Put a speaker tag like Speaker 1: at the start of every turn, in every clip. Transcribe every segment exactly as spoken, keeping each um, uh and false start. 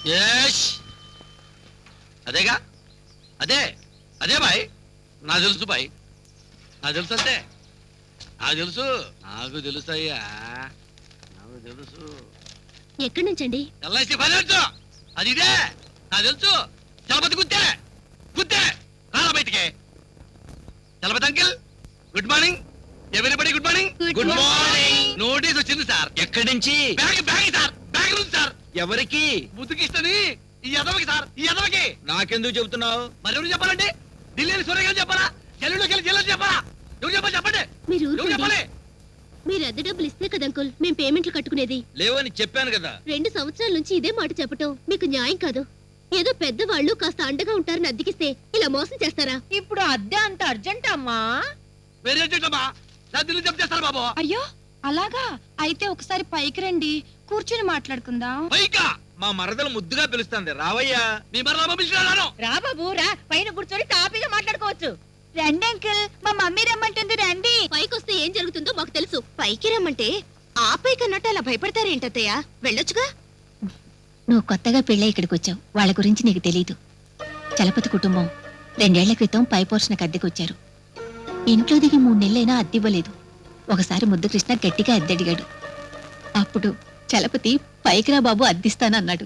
Speaker 1: అదేగా అదే అదే బాయ్ నాకు తెలుసు బాయ్ నాకు తెలుసు అంతే నాకు తెలుసు నాకు తెలుసు అయ్యా నాకు తెలుసు.
Speaker 2: ఎక్కడి నుంచండి?
Speaker 1: ఎల్ఐసి ఫైనాన్స్ అది ఇదే నాకు తెలుసు. చలపతి గుద్దే గుద్దే రాలా బయటికి. Chalapathi uncle good morning. ఎవరిబడి good morning.
Speaker 2: Good morning.
Speaker 1: Notice వచ్చింది సార్.
Speaker 3: ఎక్కడి నుంచి?
Speaker 1: బ్యాగ్ బ్యాగ్ సార్ బ్యాగ్ ఉంది సార్.
Speaker 3: ఎవరికి?
Speaker 1: ముద్దుకిస్తని ఈ ఎదవకి సార్ ఈ ఎదవకి.
Speaker 3: నాకెందుకు చెబుతున్నావు?
Speaker 1: మరి ఎవరు చెప్పాలండి? ఢిల్లీ సూర్యగారు చెప్పాలా? జల్లులోకి వెళ్ళి జల్లు చెప్పాలా? ఎవరు చెప్పాలి చెప్పండి.
Speaker 2: మీరు
Speaker 1: ఎవరు చెప్పాలి?
Speaker 2: మీరు అద్దె డబ్బులు ఇస్తే కదా అంకుల్ మేము పేమెంట్లు కట్టుకునేది.
Speaker 3: లేవని చెప్పాను కదా.
Speaker 2: రెండు సంవత్సరాల నుంచి ఇదే మాట చెప్పటం మీకు న్యాయం కాదు. ఏదో పెద్దవాళ్ళు కాస్త అండగా ఉంటారని అద్దెకిస్తే ఇలా మోసం చేస్తారా?
Speaker 4: ఇప్పుడు అద్దె అంత అర్జెంట్ అమ్మా?
Speaker 1: వేరే అర్జెంటమ్మా నా ఢిల్లీ జప్ చేస్తారు బాబు.
Speaker 4: అయ్యో అలాగా అయితే ఒకసారి పైకి రండి కూర్చుని మాట్లాడుకుందాం.
Speaker 1: పైకా
Speaker 3: మా మరదలు ముద్దుగా పిలుస్తుంది రావయ్యా.
Speaker 1: మీ మరలా పంపించాను.
Speaker 4: రా బాబు రా, పైన కూర్చొని తాపీగా మాట్లాడుకోవచ్చు. రండి అంకుల్, మా మమ్మీ రమ్మంటుంది రండి.
Speaker 2: పైకి వస్తే ఏం జరుగుతుందో మాకు తెలుసు. పైకి రమ్మంటే ఆ పైకి అన్నట్టు అలా భయపడతారేంటత్తయ్య? వెళ్ళొచ్చుగా.
Speaker 5: నువ్వు కొత్తగా పెళ్ళై ఇక్కడికి వచ్చావు, వాళ్ళ గురించి నీకు తెలీదు. చలపతి కుటుంబం రెండేళ్ల క్రితం పై పోర్షణకు అద్దెకొచ్చారు. ఇంట్లో దిగి మూడు నెలలైనా అద్దివ్వలేదు. ఒకసారి ముద్దు కృష్ణ గట్టిగా అద్దెడిగాడు. అప్పుడు చలపతి పైకిరా బాబు అద్దిస్తానన్నాడు.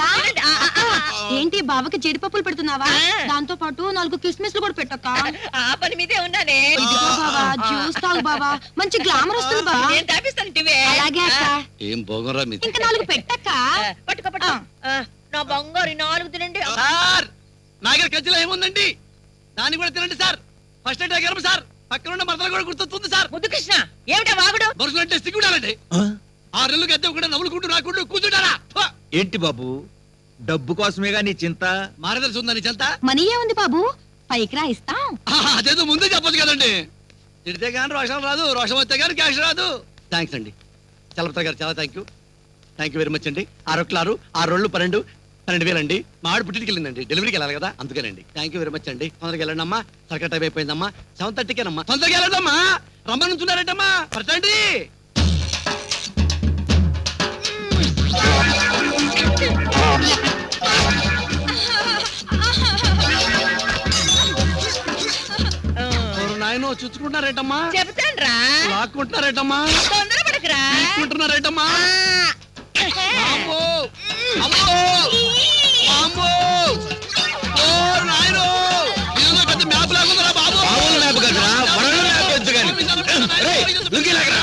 Speaker 4: ఏంటి బావకి జీడిపప్పులు పెడుతున్నావా? దాంతో పాటు నాలుగు కిస్మిస్లు కూడా పెట్టక్క.
Speaker 6: ఆ పని మీదే ఉన్నానే.
Speaker 4: ఇదిగో బావా జ్యూస్ తాగు బావా, మంచి గ్లామర్ వస్తుంది బావా.
Speaker 6: నేను తాపిస్తాను టివే.
Speaker 4: అలాగే అక్క.
Speaker 1: ఏం బోగరా మీది.
Speaker 4: ఇంకా నాలుగు పెట్టక్క.
Speaker 6: పట్టుకో పట్టుకో. ఆ, నా బంగారు నాలుగు తినండి.
Speaker 1: సార్ నాగర్ కజ్జిలో ఏముందండి దాన్ని కూడా తినండి సార్. ఫస్ట్ ఎయిడ్ గర్భ సార్ పక్కన ఉన్న మరదలు కూడా గుర్తొస్తుంది సార్.
Speaker 6: ముద్దు కృష్ణ ఏమిటా వాగుడు?
Speaker 1: మనుషులంటే సిగ్గుండాలండి. ఆ రెల్లు గద్దె కూడా నవ్వులుకుంటూ రాకుంటూ కూర్చుంటారా?
Speaker 3: ఏంటి బాబు డబ్బు కోసమేగా నీ చింత?
Speaker 1: మారదర్శి ఉందని చెంత
Speaker 4: మనీ ఏముంది బాబు, పైకి రా ఇస్తాం.
Speaker 1: అదేదో ముందే చెప్పొచ్చు కదండి. తిడితే కానీ రోషం రాదు, రోషం వస్తే కానీ క్యాష్ రాదు. థ్యాంక్స్ అండి చలపతి గారు, చాలా thank you thank you very much అండి. ఆరొక్కలారు ఆరు రోళ్ళు పన్నెండు పన్నెండు వేలు అండి. మా ఆడు పుట్టికి వెళ్ళిందండి, డెలివరీకి వెళ్ళాలి కదా అందుకేనండి. థ్యాంక్ యూ వెరీ మచ్ అండి. తొందరగా వెళ్ళండి అమ్మా, సరిగ్గా టైం అయిపోయిందమ్మా. సెవెన్ థర్టీకేనమ్మా, తొందరగా వెళ్ళండమ్మా. రమ్మనుంచున్నారేంటమ్మా పరచండి. నాయన చూసుకుంటున్నారేటమ్మా?
Speaker 6: చెబుతాను రా.
Speaker 1: లాక్కుంటున్నారేటమ్మా?
Speaker 6: తొందరపడకురా.
Speaker 1: తీసుకుంటున్నారేటమ్మా? అమ్మో అమ్మో అమ్మో ఓ నాయనో ఇదిగో పెద్ద మ్యాప్ లాగుందిరా బాబు.
Speaker 3: మామూలు మ్యాప్ కదరా, వరల్డ్ మ్యాప్ వద్దు గాని. రేయ్ లుంగీ లాగరా.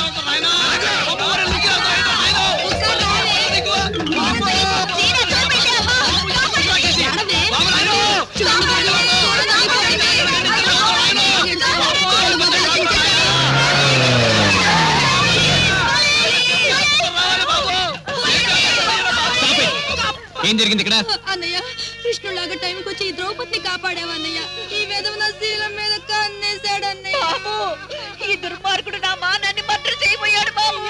Speaker 1: ఏం జరిగింది ఇక్కడ?
Speaker 4: అన్నయ్య కృష్ణులాగా టైంకి వచ్చి ఈ ద్రౌపదిని కాపాడావు అన్నయ్య. ఈ విధవ నా శీలం మీద కన్నేశాడు అన్నయ్య.
Speaker 6: బాబు ఈ దుర్మార్గుడు నా మానాన్ని మర్డర్ చేయబోయాడు బాబు.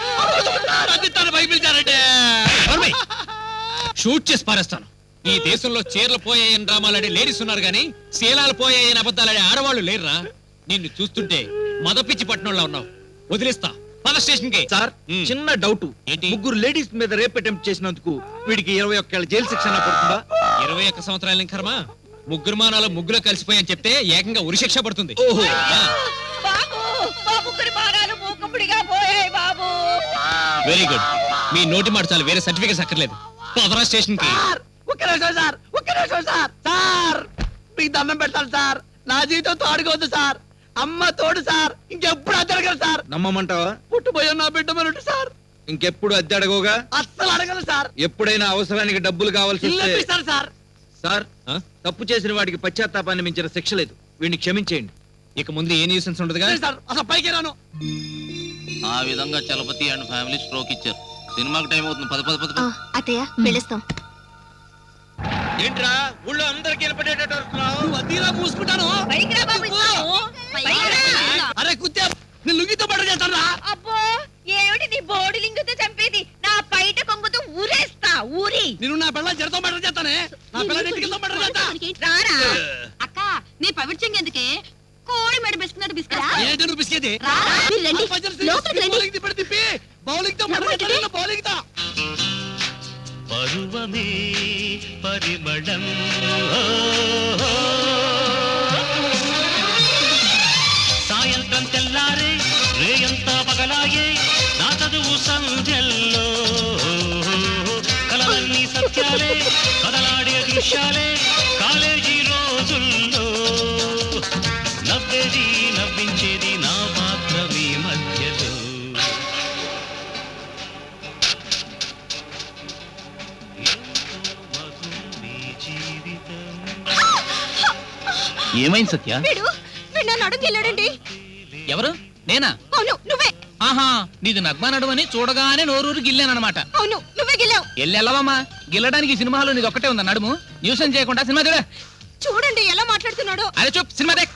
Speaker 7: షూట్ చేసి పారేస్తాను. ఈ దేశంలో చీరలు పోయాయని డ్రామాలాడే లేడీస్ ఉన్నారు గానీ శీలాలు పోయాయని అబద్ధాలాడే ఆడవాళ్ళు లేరురా. నిన్ను చూస్తుంటే మదపిచ్చి పట్టణంలో ఉన్నావు. వదిలేస్తా పద స్టేషన్ కి.
Speaker 3: సార్
Speaker 7: మ్.
Speaker 3: చిన్న డౌట్.
Speaker 7: ఏంటి?
Speaker 3: ముగ్గురు లేడీస్ మీద రేప్ అటెంప్ట్ చేసినందుకు వీడికి ఇరవై ఒక్క జైలు శిక్ష పడుతుందా?
Speaker 7: ఇరవై ఒక్క సంవత్సరాల కర్మ. ముగ్గురు మానాలు ముగ్గురు కలిసిపోయని చెప్తే ఏకంగా ఉరిశిక్ష పడుతుంది.
Speaker 3: ఓహో
Speaker 7: ఆ.
Speaker 6: బాబు మా ముగ్గురి మానాలు మూకుముడిగా పోయాయి బాబు.
Speaker 7: Very good. మీ నోటి మాట చాలు, వేరే సర్టిఫికేట్స్ అక్కర్లేదు. పదరా స్టేషన్ కి.
Speaker 1: ఒక్క నిమిషం సార్, ఒక్క నిమిషం సార్. సార్ మీకు దండం పెడతాను సార్. నా జీవితం తోడుకోవద్దు సార్. అమ్మ తోడు సార్. ఇంకెప్పుడు అద్దెడగరు సార్.
Speaker 3: నమ్మమంటావా?
Speaker 1: పుట్టుపోయా నా బిడ్డ మనుంటు సార్.
Speaker 3: ఇంకెప్పుడు అద్దె అడగోగా?
Speaker 1: అస్సలు అడగను సార్.
Speaker 3: ఎప్పుడైనా అవసరానికి డబ్బులు కావాల్సి
Speaker 1: ఇల్లు
Speaker 3: వస్తే
Speaker 1: ఇప్పిస్తాను సార్.
Speaker 3: సార్
Speaker 7: ఆ?
Speaker 3: తప్పు చేసిన వాడికి పశ్చాత్తాపాన్ని మించిన శిక్ష లేదు. వీడిని క్షమించేయండి.
Speaker 7: ఇక ముందు ఏ న్యూసెన్స్ ఉండదుగా.
Speaker 1: లేదు సార్, అసలు పైకి రాను.
Speaker 8: ఆ విధంగా చలపతి అండ్ ఫ్యామిలీ స్ట్రోక్ ఇచ్చారు. సినిమాకి టైం అవుతుంది. పద పద పద పద.
Speaker 2: అత్తయ్య వెళ్ళొస్తాం.
Speaker 3: ఏంట్రా ఊళ్ళో అందరికి వినపడేటట్టు వస్తున్నావు?
Speaker 1: నువ్వు అద్దీలా మూసుకుంటాను.
Speaker 6: పైకి రా బాబు ఇస్తాము. పైకి రా.
Speaker 1: అరే కుత్తే నేను లుంగితో పడ చేస్తాను రా.
Speaker 6: అబ్బో ఏమిటి నీ బోడి లింగుతో చంపేది? నా పైట కొంగుతో ఊరేస్తా ఊరి.
Speaker 1: నేను నా పిల్లల జడతో మర్డర్ చేస్తానే. నా పిల్లల ఇంటికి మర్డర్ చేస్తా.
Speaker 6: రారా.
Speaker 4: అక్క నీ పవిత్రం ఎందుకే? కోడి మెడ బిస్కున్నట్టు బిస్కరా?
Speaker 1: ఏంటి నువ్వు బిస్కెట్?
Speaker 2: మీరు రండి, లోపలికి రండి.
Speaker 1: బౌలింగ్ తిప్పి బౌలింగ్ తో మర్డర్ చేస్తాను. బౌలింగ్ తో
Speaker 8: పరువ
Speaker 9: మనసులోనే పరిమళం సాయంత్రం తెల్లారే రేయంతా పగలాయే నా చదువు సంధ్యల్లో కలలన్నీ సత్యాలే కదలాడే దృశ్యాలే కాలేజీ రోజుల్లో నవ్వేది నవ్వించేది నా మాత్రమే మధ్యలో
Speaker 8: ఏమైంది సత్య?
Speaker 4: వీడు వీడు నన్ను అడుగుకెళ్ళాడండి.
Speaker 7: ఎవరు? నేనా?
Speaker 4: అవును నువ్వే.
Speaker 7: ఆహా, నీది నగ్మా నడుమని చూడగానే నోరూరు గిల్లానమాట.
Speaker 4: అవును నువ్వే గెలావు.
Speaker 7: ఎల్లెల్లవమ్మా, గిల్లడానికి ఈ సినిమాలో నీది ఒక్కటే ఉందా నడుము? న్యూసెన్స్ చేయకుండా సినిమా చూడ.
Speaker 4: చూడండి ఎలా మాట్లాడుతున్నాడో.
Speaker 7: అరే చూప్, సినిమా దేక్.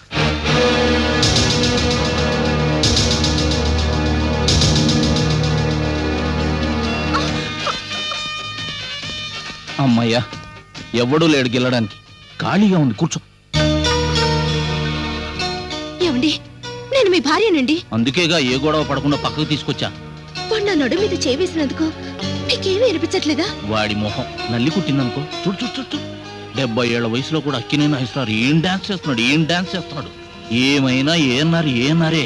Speaker 8: అమ్మయ్యా, ఎవడూ లేడు గెలడానికి. ఖాళీగా ఉంది, కూర్చో.
Speaker 2: ఏమండి, నేను మీ భార్యనండి.
Speaker 8: అందుకేగా ఏ గొడవ పడకుండా పక్కకు తీసుకొచ్చా.
Speaker 2: వాడు నా నడు మీద చేవేసినందుకు మీకేమీ అనిపించట్లేదా?
Speaker 8: వాడి మొహం నల్లి కుట్టిందనుకో. చూడు చూడు చూడు చూడు. డెబ్బై ఏళ్ల వయసులో కూడా అక్కినే నాయిస్తున్నారు. ఏం డాన్స్ చేస్తున్నాడు, ఏం డాన్స్ చేస్తున్నాడు. ఏమైనా ఏన్నారు ఏనారే.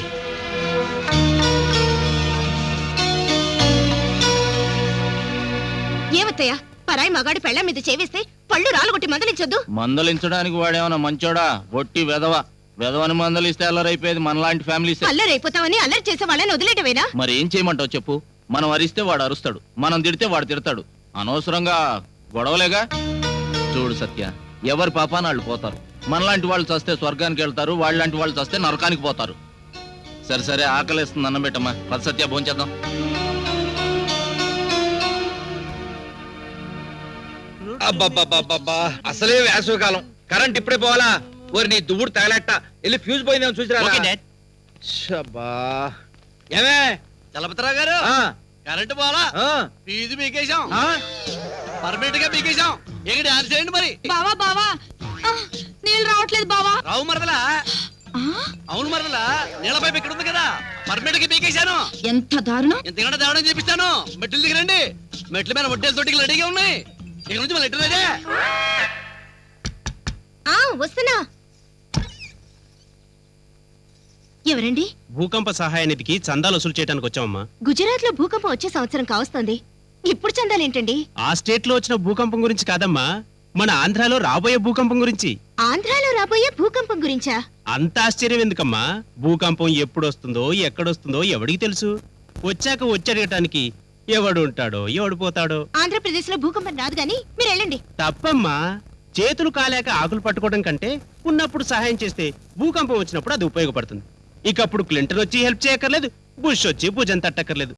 Speaker 2: ఏమత్తయ్యా, పరాయి మగాడి పెళ్ళ మీద చేవేస్తే పళ్ళు రాలగొట్టి మందలించొద్దు.
Speaker 8: మందలించడానికి వాడేమన్నా మంచోడా? ఒట్టి వెధవ. వెధవని మందలిస్తే అల్లరైపోయేది మనలాంటి ఫ్యామిలీస్.
Speaker 2: అల్లరైపోతామని అల్లరి చేసే వాళ్ళని వదిలేటవేనా?
Speaker 8: మరి ఏం చేయమంటావు చెప్పు? మనం అరిస్తే వాడు అరుస్తాడు, మనం తిడితే వాడు తిడతాడు. అనవసరంగా గొడవలేగా. చూడు సత్య, ఎవరి పాపాన వాళ్ళు పోతారు. మనలాంటి వాళ్ళు చస్తే స్వర్గానికి వెళ్తారు, వాళ్ళలాంటి వాళ్ళు చస్తే నరకానికి పోతారు. సరే సరే, ఆకలేస్తుంది, అన్నం పెట్టమ్మా. పద సత్య, భోంచేద్దాం.
Speaker 3: అబ్బబ్బబ్బబ్బబ్బా, అసలే వేసవికాలం. కరెంట్ ఇప్పుడే పోవాలా? ఓరి నీ దువ్వుడు తగలెట్ట. వెళ్ళి ఫ్యూజ్ పోయిందేమో చూసిరా. ఏమే
Speaker 1: చలపతిరావు గారు,
Speaker 3: ఆ,
Speaker 1: కరెంటు పోవాలా?
Speaker 3: ఆ,
Speaker 1: ఫీజు పీకేశాం,
Speaker 3: ఆ?
Speaker 1: పర్మనెంట్ గా పీకేశాం. ఇక డాన్స్ చేయండి మరి.
Speaker 4: బావా బావా ఆ, నీళ్ళు రావట్లేదు బావా.
Speaker 1: రావు మరదలా?
Speaker 4: ఆ,
Speaker 1: అవును మరదలా, నీళ్ళ పైపు ఇక్కడ ఉంది కదా, పర్మనెంట్ గా పీకేశాను.
Speaker 4: ఎంత దారుణం.
Speaker 1: ఇంతకంటే తేవడం చేపిస్తాను. మెట్లు దిగరండి. మెట్ల మీద వడ్డేలు తోటికి రెడీగా ఉన్నాయి. ఇక నుంచి మళ్ళీ ఎట్టు
Speaker 2: ఆ వస్తున్నా. ఎవరండి?
Speaker 10: భూకంప సహాయ నిధికి చందాలు వసూలు చేయడానికి వచ్చామమ్మా.
Speaker 2: గుజరాత్ లో భూకంపం వచ్చే సంవత్సరం కావస్తోంది. ఇప్పుడు చందాలేంటండి?
Speaker 10: ఆ స్టేట్ లో వచ్చిన భూకంపం గురించి కాదమ్మా, మన ఆంధ్రాలో రాబోయే భూకంపం గురించి.
Speaker 2: ఆంధ్రాలో రాబోయే భూకంపం గురించా?
Speaker 10: అంత ఆశ్చర్యం ఎందుకమ్మా? భూకంపం ఎప్పుడు వస్తుందో ఎక్కడొస్తుందో ఎవడికి తెలుసు? వచ్చాక వచ్చేయటానికి ఎవడు ఉంటాడో ఎవడు పోతాడో.
Speaker 2: ఆంధ్రప్రదేశ్ లో భూకంపం రాదు గాని మీరు వెళ్ళండి.
Speaker 10: తప్పమ్మా, చేతులు కాలేక ఆకులు పట్టుకోవడం కంటే ఉన్నప్పుడు సహాయం చేస్తే భూకంపం వచ్చినప్పుడు అది ఉపయోగపడుతుంది. ఇకప్పుడు క్లింటన్ వచ్చి హెల్ప్ చేయక్కర్లేదు, బుష్ వచ్చి భుజం తట్టక్కర్లేదు.